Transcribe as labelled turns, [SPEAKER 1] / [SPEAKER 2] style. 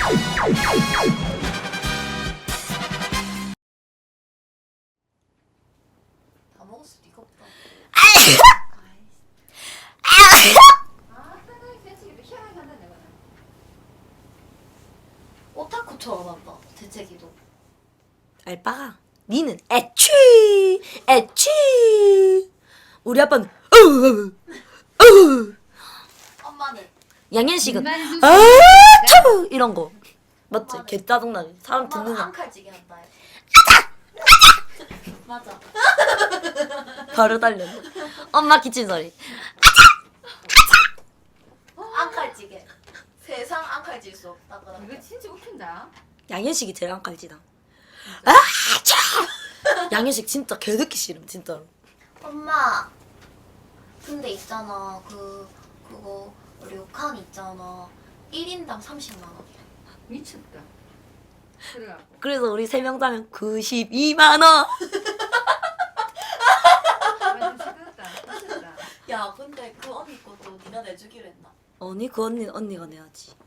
[SPEAKER 1] 다 먹었어 니가 없다. 오타쿠처럼 한다 재채기도.
[SPEAKER 2] 알바가 니는 애취 우리 아빠는
[SPEAKER 1] 엄마는
[SPEAKER 2] 양현식은
[SPEAKER 3] 눈만
[SPEAKER 2] 아차 이런 거 맞지? 개 짜증나게 사람 듣는
[SPEAKER 1] 엄마는
[SPEAKER 2] 거
[SPEAKER 1] 앙칼지게 한다. 맞아.
[SPEAKER 2] 바로 달려. 엄마 기침 소리.
[SPEAKER 1] 앙칼지게. 세상 앙칼질 수 없다.
[SPEAKER 3] 이거 진짜 웃긴다.
[SPEAKER 2] 양현식이 제일 앙칼지다. 아차 양현식 진짜 개 듣기 싫음 진짜로.
[SPEAKER 1] 엄마. 근데 있잖아 그거 료칸 있잖아 1인당 30만 원이야.
[SPEAKER 3] 미쳤다. 그래갖고
[SPEAKER 2] 그래서 우리 3명 자면 92만 원.
[SPEAKER 3] 완전 시끄럽다. 미쳤다.
[SPEAKER 1] 야 근데 그 언니 것도 네가 내주기로 했나?
[SPEAKER 2] 언니 그 언니가 내야지.